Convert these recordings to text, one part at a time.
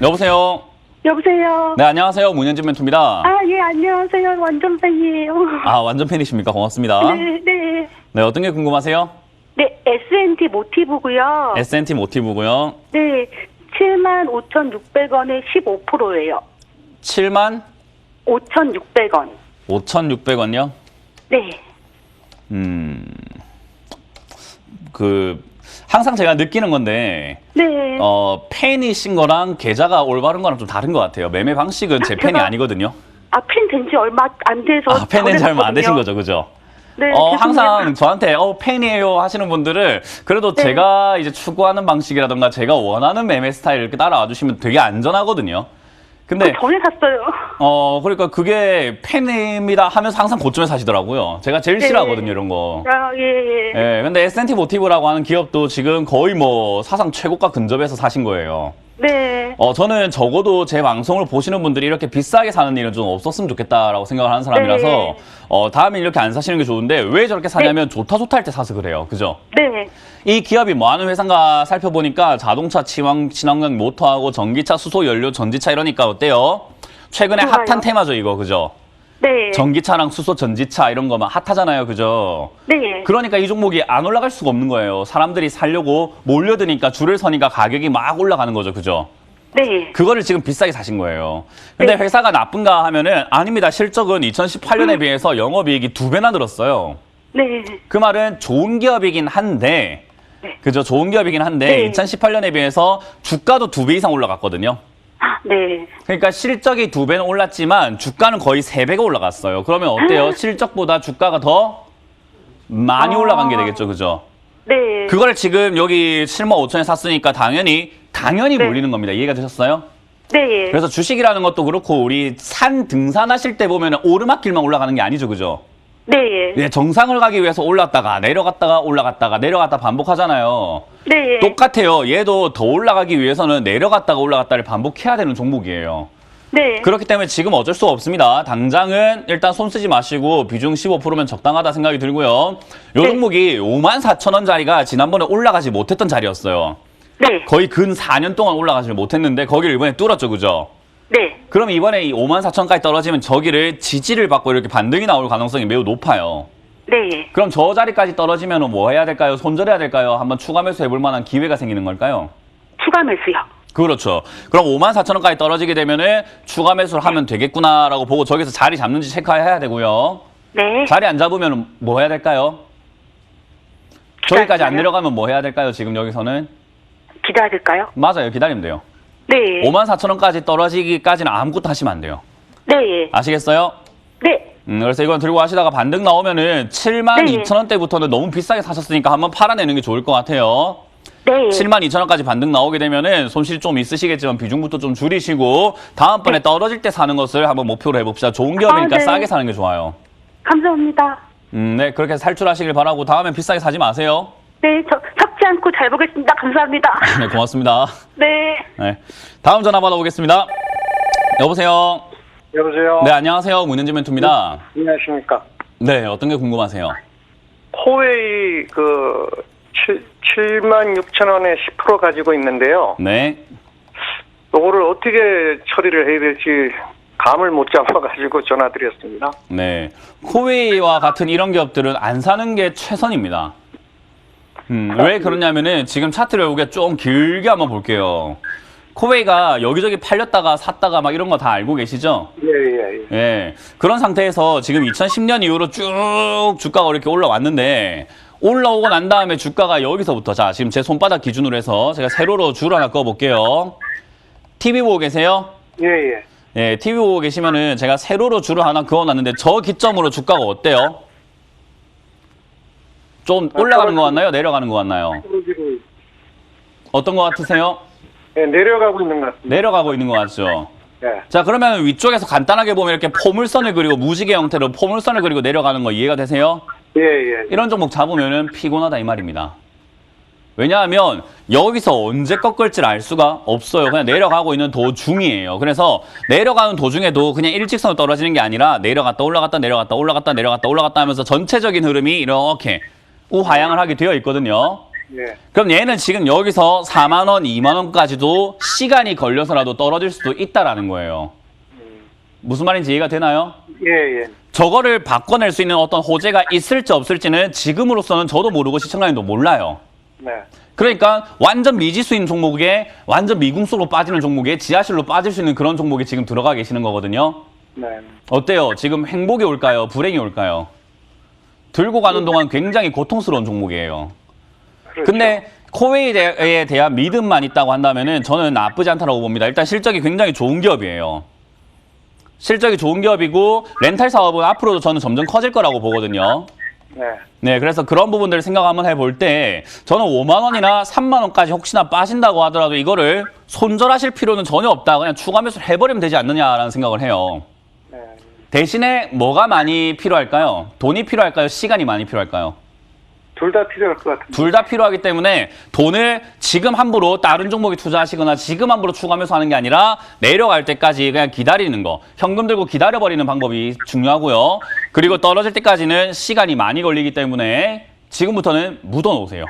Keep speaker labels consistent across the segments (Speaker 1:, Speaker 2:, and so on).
Speaker 1: 여보세요.
Speaker 2: 여보세요.
Speaker 1: 네, 안녕하세요. 문현진 멘토입니다.
Speaker 2: 예, 안녕하세요. 완전 팬이에요.
Speaker 1: 아, 완전 팬이십니까? 고맙습니다.
Speaker 2: 네, 네.
Speaker 1: 네, 어떤 게 궁금하세요?
Speaker 2: 네, S&T 모티브고요.
Speaker 1: S&T 모티브고요.
Speaker 2: 네, 75,600원에 15%예요.
Speaker 1: 7만
Speaker 2: 5,600원.
Speaker 1: 5,600원요?
Speaker 2: 네.
Speaker 1: 항상 제가 느끼는 건데,
Speaker 2: 네.
Speaker 1: 팬이신 거랑 계좌가 올바른 거랑 좀 다른 것 같아요. 매매 방식은 제 팬이 아니거든요.
Speaker 2: 팬 된 지 얼마 안 돼서.
Speaker 1: 팬 된 지 얼마 안 되신 거죠, 그죠?
Speaker 2: 네.
Speaker 1: 항상 저한테 팬이에요 하시는 분들을 그래도
Speaker 2: 네.
Speaker 1: 제가 이제 추구하는 방식이라던가 제가 원하는 매매 스타일 이렇게 따라와 주시면 되게 안전하거든요. 근데
Speaker 2: 전에 샀어요.
Speaker 1: 그러니까 그게 팬입니다 하면서 항상 고점에 사시더라고요. 제가 제일
Speaker 2: 네.
Speaker 1: 싫어하거든요, 이런 거.
Speaker 2: 예.
Speaker 1: 예, 근데 S&T 모티브라고 하는 기업도 지금 거의 뭐 사상 최고가 근접해서 사신 거예요.
Speaker 2: 네.
Speaker 1: 저는 적어도 제 방송을 보시는 분들이 이렇게 비싸게 사는 일은 좀 없었으면 좋겠다라고 생각을 하는 사람이라서
Speaker 2: 네.
Speaker 1: 다음에 이렇게 안 사시는 게 좋은데 왜 저렇게 사냐면 좋다 할 때 사서 그래요. 그죠?
Speaker 2: 네.
Speaker 1: 이 기업이 뭐 하는 회사인가 살펴보니까 자동차, 친환경 모터하고 전기차, 수소, 연료, 전지차 이러니까 어때요? 최근에
Speaker 2: 좋아요.
Speaker 1: 핫한 테마죠, 이거. 그죠?
Speaker 2: 네.
Speaker 1: 전기차랑 수소, 전지차 이런 거만 핫하잖아요. 그죠?
Speaker 2: 네.
Speaker 1: 그러니까 이 종목이 안 올라갈 수가 없는 거예요. 사람들이 사려고 몰려드니까 줄을 서니까 가격이 막 올라가는 거죠. 그죠?
Speaker 2: 네.
Speaker 1: 그거를 지금 비싸게 사신 거예요. 근데
Speaker 2: 네.
Speaker 1: 회사가 나쁜가 하면은 아닙니다. 실적은 2018년에 비해서 영업이익이 2배나 늘었어요.
Speaker 2: 네.
Speaker 1: 그 말은 좋은 기업이긴 한데,
Speaker 2: 네.
Speaker 1: 그죠? 좋은 기업이긴 한데
Speaker 2: 네.
Speaker 1: 2018년에 비해서 주가도 2배 이상 올라갔거든요.
Speaker 2: 네.
Speaker 1: 그러니까 실적이 2배는 올랐지만 주가는 거의 3배가 올라갔어요. 그러면 어때요? 실적보다 주가가 더 많이 올라간 게 되겠죠. 그죠?
Speaker 2: 네.
Speaker 1: 그걸 지금 여기 7만 5천에 샀으니까 당연히
Speaker 2: 네.
Speaker 1: 몰리는 겁니다. 이해가 되셨어요?
Speaker 2: 네.
Speaker 1: 그래서 주식이라는 것도 그렇고 우리 산 등산하실 때 보면 오르막길만 올라가는 게 아니죠. 그죠?
Speaker 2: 네.
Speaker 1: 예, 정상을 가기 위해서 올랐다가 내려갔다가 올라갔다가 내려갔다 반복하잖아요.
Speaker 2: 네.
Speaker 1: 똑같아요. 얘도 더 올라가기 위해서는 내려갔다가 올라갔다를 반복해야 되는 종목이에요.
Speaker 2: 네.
Speaker 1: 그렇기 때문에 지금 어쩔 수 없습니다. 당장은 일단 손 쓰지 마시고 비중 15%면 적당하다 생각이 들고요. 요
Speaker 2: 네.
Speaker 1: 종목이 54,000원짜리가 지난번에 올라가지 못했던 자리였어요.
Speaker 2: 네.
Speaker 1: 거의 근 4년 동안 올라가지 못했는데 거기를 이번에 뚫었죠. 그죠?
Speaker 2: 네.
Speaker 1: 그럼 이번에 이 54,000원까지 떨어지면 저기를 지지를 받고 이렇게 반등이 나올 가능성이 매우 높아요.
Speaker 2: 네.
Speaker 1: 그럼 저 자리까지 떨어지면 뭐 해야 될까요? 손절해야 될까요? 한번 추가 매수 해볼 만한 기회가 생기는 걸까요?
Speaker 2: 추가 매수요.
Speaker 1: 그렇죠. 그럼 54,000원까지 떨어지게 되면은 추가 매수를 하면 되겠구나라고 보고 저기서 자리 잡는지 체크해야 되고요.
Speaker 2: 네.
Speaker 1: 자리 안 잡으면 뭐 해야 될까요? 저기까지 안 내려가면 뭐 해야 될까요? 지금 여기서는?
Speaker 2: 기다릴까요?
Speaker 1: 맞아요. 기다리면 돼요.
Speaker 2: 네.
Speaker 1: 54,000원까지 떨어지기까지는 아무것도 하시면 안 돼요.
Speaker 2: 네.
Speaker 1: 아시겠어요?
Speaker 2: 네.
Speaker 1: 그래서 이건 들고 가시다가 반등 나오면은 72,000원대부터는 너무 비싸게 사셨으니까 한번 팔아내는 게 좋을 것 같아요.
Speaker 2: 네.
Speaker 1: 72,000원까지 반등 나오게 되면은 손실 좀 있으시겠지만 비중부터 좀 줄이시고 다음번에 떨어질 때 사는 것을 한번 목표로 해봅시다. 좋은 기업이니까
Speaker 2: 네.
Speaker 1: 싸게 사는 게 좋아요.
Speaker 2: 감사합니다.
Speaker 1: 네, 그렇게 해서 살출하시길 바라고 다음엔 비싸게 사지 마세요.
Speaker 2: 네. 섞지 않고 잘 보겠습니다. 감사합니다.
Speaker 1: 네, 고맙습니다.
Speaker 2: 네.
Speaker 1: 네, 다음 전화 받아보겠습니다. 여보세요.
Speaker 3: 여보세요?
Speaker 1: 네, 안녕하세요. 문현진 멘토입니다.
Speaker 3: 안녕하십니까?
Speaker 1: 네, 어떤 게 궁금하세요?
Speaker 3: 코웨이 76,000원에 10% 가지고 있는데요.
Speaker 1: 네.
Speaker 3: 이거를 어떻게 처리를 해야 될지 감을 못 잡아가지고 전화드렸습니다.
Speaker 1: 네. 코웨이와 같은 이런 기업들은 안 사는 게 최선입니다. 왜 그러냐면은 지금 차트를 우리가 좀 길게 한번 볼게요. 코웨이가 여기저기 팔렸다가 샀다가 막 이런 거 다 알고 계시죠?
Speaker 3: 예.
Speaker 1: 예. 그런 상태에서 지금 2010년 이후로 쭉 주가가 이렇게 올라왔는데 올라오고 난 다음에 주가가 여기서부터 자, 지금 제 손바닥 기준으로 해서 제가 세로로 줄 하나 꺼볼게요. TV 보고 계세요?
Speaker 3: 예.
Speaker 1: 예, TV 보고 계시면은 제가 세로로 줄을 하나 그어놨는데 저 기점으로 주가가 어때요? 좀 올라가는 것 같나요? 내려가는 것 같나요? 어떤 것 같으세요?
Speaker 3: 예, 내려가고 있는 것 같습니다.
Speaker 1: 내려가고 있는 것 같죠?
Speaker 3: 예.
Speaker 1: 자, 그러면 위쪽에서 간단하게 보면 이렇게 포물선을 그리고 무지개 형태로 포물선을 그리고 내려가는 거 이해가 되세요?
Speaker 3: 예.
Speaker 1: 이런 종목 잡으면은 피곤하다 이 말입니다. 왜냐하면 여기서 언제 꺾을지를 알 수가 없어요. 그냥 내려가고 있는 도중이에요. 그래서 내려가는 도중에도 그냥 일직선으로 떨어지는 게 아니라 내려갔다 올라갔다 내려갔다 올라갔다 내려갔다 올라갔다 하면서 전체적인 흐름이 이렇게 우하향을 하게 되어 있거든요.
Speaker 3: 예.
Speaker 1: 그럼 얘는 지금 여기서 4만 원, 2만 원까지도 시간이 걸려서라도 떨어질 수도 있다라는 거예요. 무슨 말인지 이해가 되나요?
Speaker 3: 예, 예.
Speaker 1: 저거를 바꿔낼 수 있는 어떤 호재가 있을지 없을지는 지금으로서는 저도 모르고 시청자님도 몰라요.
Speaker 3: 네.
Speaker 1: 그러니까 완전 미지수인 종목에 완전 미궁수로 빠지는 종목에 지하실로 빠질 수 있는 그런 종목에 지금 들어가 계시는 거거든요.
Speaker 3: 네.
Speaker 1: 어때요? 지금 행복이 올까요? 불행이 올까요? 들고 가는 동안 굉장히 고통스러운 종목이에요.
Speaker 3: 그렇죠.
Speaker 1: 근데 코웨이에 대한 믿음만 있다고 한다면은 저는 나쁘지 않다고 봅니다. 일단 실적이 굉장히 좋은 기업이에요. 실적이 좋은 기업이고 렌탈 사업은 앞으로도 저는 점점 커질 거라고 보거든요.
Speaker 3: 네.
Speaker 1: 네, 그래서 그런 부분들을 생각 한번 해볼 때 저는 5만 원이나 3만 원까지 혹시나 빠진다고 하더라도 이거를 손절하실 필요는 전혀 없다. 그냥 추가 매수를 해버리면 되지 않느냐라는 생각을 해요.
Speaker 3: 네.
Speaker 1: 대신에 뭐가 많이 필요할까요? 돈이 필요할까요? 시간이 많이 필요할까요?
Speaker 3: 둘 다 필요할 것 같은데.
Speaker 1: 둘 다 필요하기 때문에 돈을 지금 함부로 다른 종목에 투자하시거나 지금 함부로 추가 매수하는 게 아니라 내려갈 때까지 그냥 기다리는 거. 현금 들고 기다려버리는 방법이 중요하고요. 그리고 떨어질 때까지는 시간이 많이 걸리기 때문에 지금부터는 묻어놓으세요.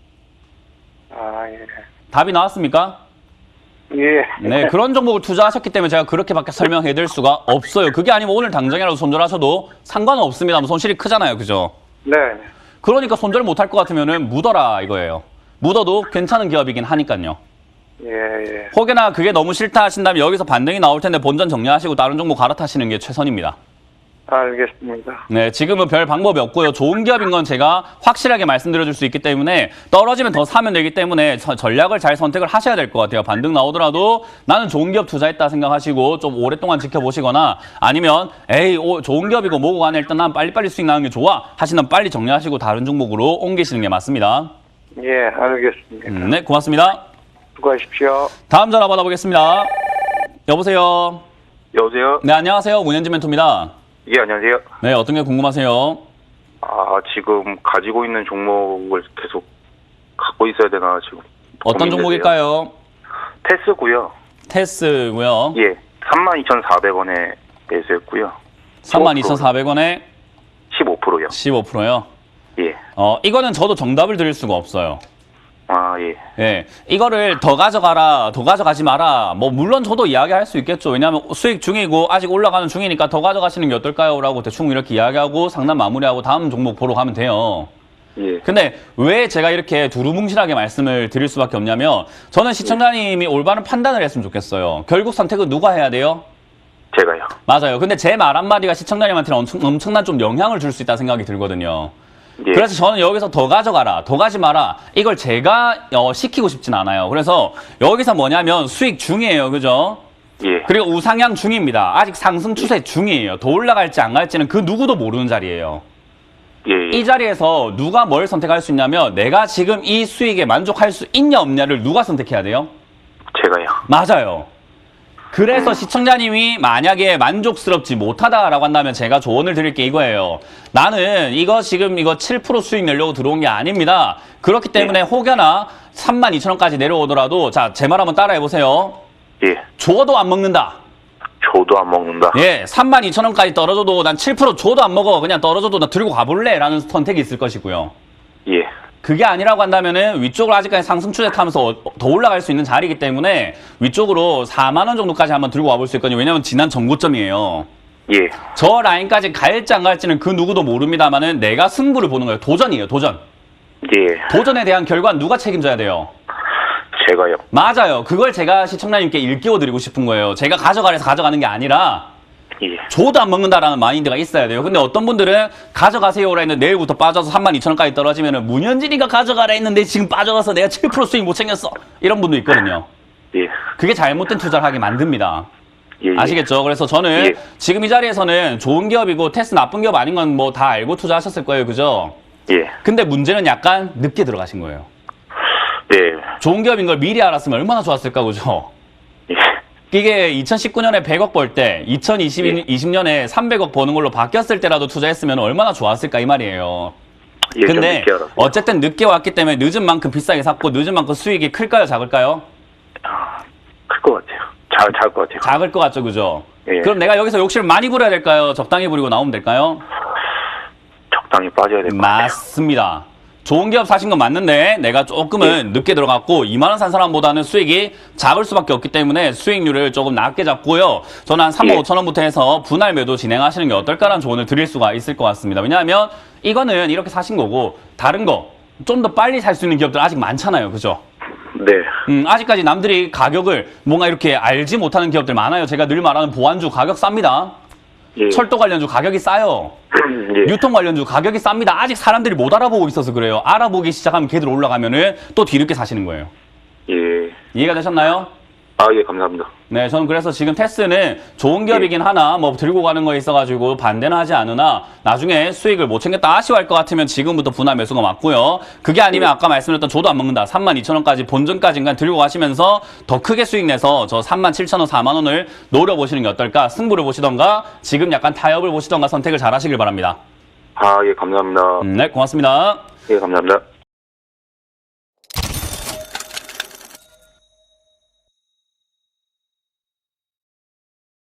Speaker 3: 아, 예.
Speaker 1: 답이 나왔습니까?
Speaker 3: 예.
Speaker 1: 네, 그런 종목을 투자하셨기 때문에 제가 그렇게밖에 설명해드릴 수가 없어요. 그게 아니면 오늘 당장이라도 손절하셔도 상관은 없습니다. 손실이 크잖아요. 그죠?
Speaker 3: 네.
Speaker 1: 그러니까 손절 못할 것 같으면은 묻어라 이거예요. 묻어도 괜찮은 기업이긴 하니까요.
Speaker 3: 예, 예.
Speaker 1: 혹여나 그게 너무 싫다 하신다면 여기서 반등이 나올 텐데 본전 정리하시고 다른 종목 갈아타시는 게 최선입니다.
Speaker 3: 알겠습니다.
Speaker 1: 네, 지금은 별 방법이 없고요. 좋은 기업인 건 제가 확실하게 말씀드려줄 수 있기 때문에 떨어지면 더 사면 되기 때문에 전략을 잘 선택을 하셔야 될 것 같아요. 반등 나오더라도 나는 좋은 기업 투자했다 생각하시고 좀 오랫동안 지켜보시거나 아니면 에이 좋은 기업이고 뭐고 간에 일단 난 빨리빨리 수익 나는 게 좋아 하시면 빨리 정리하시고 다른 종목으로 옮기시는 게 맞습니다.
Speaker 3: 예, 알겠습니다.
Speaker 1: 네, 고맙습니다.
Speaker 3: 수고하십시오.
Speaker 1: 다음 전화 받아보겠습니다. 여보세요.
Speaker 4: 여보세요?
Speaker 1: 네, 안녕하세요. 문현지 멘토입니다.
Speaker 4: 예, 안녕하세요.
Speaker 1: 네, 어떤 게 궁금하세요?
Speaker 4: 지금 가지고 있는 종목을 계속 갖고 있어야 되나 지금
Speaker 1: 어떤
Speaker 4: 고민되세요.
Speaker 1: 종목일까요?
Speaker 4: 테스고요.
Speaker 1: 테스고요.
Speaker 4: 예, 32,400원에 매수했고요.
Speaker 1: 32,400원에
Speaker 4: 15%요.
Speaker 1: 15%요.
Speaker 4: 예.
Speaker 1: 이거는 저도 정답을 드릴 수가 없어요.
Speaker 4: 예.
Speaker 1: 예, 이거를 더 가져가라, 더 가져가지 마라. 뭐 물론 저도 이야기할 수 있겠죠. 왜냐하면 수익 중이고 아직 올라가는 중이니까 더 가져가시는 게 어떨까요? 라고 대충 이렇게 이야기하고 상담 마무리하고 다음 종목 보러 가면 돼요.
Speaker 4: 예.
Speaker 1: 근데 왜 제가 이렇게 두루뭉실하게 말씀을 드릴 수밖에 없냐면 저는 시청자님이 올바른 판단을 했으면 좋겠어요. 결국 선택은 누가 해야 돼요?
Speaker 4: 제가요.
Speaker 1: 맞아요. 근데 제 말 한마디가 시청자님한테는 엄청난 좀 영향을 줄 수 있다 생각이 들거든요.
Speaker 4: 예.
Speaker 1: 그래서 저는 여기서 더 가져가라, 더 가지 마라. 이걸 제가 시키고 싶진 않아요. 그래서 여기서 뭐냐면 수익 중이에요. 그죠?
Speaker 4: 예.
Speaker 1: 그리고 우상향 중입니다. 아직 상승 추세 중이에요. 더 올라갈지 안 갈지는 그 누구도 모르는 자리예요.
Speaker 4: 예.
Speaker 1: 이 자리에서 누가 뭘 선택할 수 있냐면 내가 지금 이 수익에 만족할 수 있냐 없냐를 누가 선택해야 돼요?
Speaker 4: 제가요.
Speaker 1: 맞아요. 그래서 시청자님이 만약에 만족스럽지 못하다라고 한다면 제가 조언을 드릴 게 이거예요. 나는 이거 지금 이거 7% 수익 내려고 들어온 게 아닙니다. 그렇기 때문에 혹여나 32,000원까지 내려오더라도 자, 제 말 한번 따라해 보세요.
Speaker 4: 예.
Speaker 1: 줘도 안 먹는다.
Speaker 4: 저도 안 먹는다.
Speaker 1: 예, 32,000원까지 떨어져도 난 7% 줘도 안 먹어. 그냥 떨어져도 나 들고 가볼래. 라는 선택이 있을 것이고요.
Speaker 4: 예.
Speaker 1: 그게 아니라고 한다면은 위쪽으로 아직까지 상승 추세 타면서 더 올라갈 수 있는 자리이기 때문에 위쪽으로 4만 원 정도까지 한번 들고 와볼 수 있거든요. 왜냐면 지난 전고점이에요.
Speaker 4: 예.
Speaker 1: 저 라인까지 갈지 안 갈지는 그 누구도 모릅니다만은 내가 승부를 보는 거예요. 도전이에요. 도전.
Speaker 4: 예.
Speaker 1: 도전에 대한 결과는 누가 책임져야 돼요?
Speaker 4: 제가요.
Speaker 1: 맞아요. 그걸 제가 시청자님께 일깨워 드리고 싶은 거예요. 제가 가져가래서 가져가는 게 아니라
Speaker 4: 예.
Speaker 1: 줘도 안 먹는다라는 마인드가 있어야 돼요. 근데 어떤 분들은 가져가세요라 했는데 내일부터 빠져서 32,000원까지 떨어지면은 문현진이가 가져가라 했는데 지금 빠져가서 내가 7% 수익 못 챙겼어. 이런 분도 있거든요.
Speaker 4: 예.
Speaker 1: 그게 잘못된 투자를 하게 만듭니다.
Speaker 4: 예. 예.
Speaker 1: 아시겠죠? 그래서 저는
Speaker 4: 예.
Speaker 1: 지금 이 자리에서는 좋은 기업이고 테스트 나쁜 기업 아닌 건 뭐 다 알고 투자하셨을 거예요. 그죠?
Speaker 4: 예.
Speaker 1: 근데 문제는 약간 늦게 들어가신 거예요.
Speaker 4: 예.
Speaker 1: 좋은 기업인 걸 미리 알았으면 얼마나 좋았을까, 그죠?
Speaker 4: 예.
Speaker 1: 이게 2019년에 100억 벌 때 2020년에 300억 버는 걸로 바뀌었을 때라도 투자했으면 얼마나 좋았을까 이 말이에요.
Speaker 4: 예. 좀
Speaker 1: 근데
Speaker 4: 늦게 알았어요.
Speaker 1: 어쨌든 늦게 왔기 때문에 늦은 만큼 비싸게 샀고 늦은 만큼 수익이 클까요, 작을까요?
Speaker 4: 클 것 같아요. 작을 것 같아요.
Speaker 1: 작을 것 같죠, 그죠?
Speaker 4: 예.
Speaker 1: 그럼 내가 여기서 욕심을 많이 부려야 될까요? 적당히 부리고 나오면 될까요?
Speaker 4: 적당히 빠져야 될 것 같아요.
Speaker 1: 맞습니다. 좋은 기업 사신 건 맞는데 내가 조금은 늦게 들어갔고 2만 원 산 사람보다는 수익이 작을 수밖에 없기 때문에 수익률을 조금 낮게 잡고요. 저는 한 3만 5천 원부터 해서 분할 매도 진행하시는 게 어떨까라는 조언을 드릴 수가 있을 것 같습니다. 왜냐하면 이거는 이렇게 사신 거고 다른 거 좀 더 빨리 살 수 있는 기업들 아직 많잖아요. 그죠?
Speaker 4: 네.
Speaker 1: 아직까지 남들이 가격을 뭔가 이렇게 알지 못하는 기업들 많아요. 제가 늘 말하는 보안주 가격 쌉니다.
Speaker 4: 예.
Speaker 1: 철도 관련주 가격이 싸요.
Speaker 4: 예.
Speaker 1: 유통 관련주 가격이 쌉니다. 아직 사람들이 못 알아보고 있어서 그래요. 알아보기 시작하면 걔들 올라가면은 또 뒤늦게 사시는 거예요.
Speaker 4: 예.
Speaker 1: 이해가 되셨나요?
Speaker 4: 아, 예, 감사합니다.
Speaker 1: 네, 저는 그래서 지금 테스는 좋은 기업이긴 하나 뭐 들고 가는 거에 있어가지고 반대는 하지 않으나 나중에 수익을 못 챙겼다 아쉬워할 것 같으면 지금부터 분할 매수가 맞고요. 그게 아니면 아까 말씀드렸던 저도 안 먹는다. 32,000원까지 본전까지인가 들고 가시면서 더 크게 수익 내서 저 37,000원, 4만 원을 노려보시는 게 어떨까? 승부를 보시던가 지금 약간 타협을 보시던가 선택을 잘 하시길 바랍니다.
Speaker 4: 아, 예, 감사합니다.
Speaker 1: 네, 고맙습니다.
Speaker 4: 예, 감사합니다.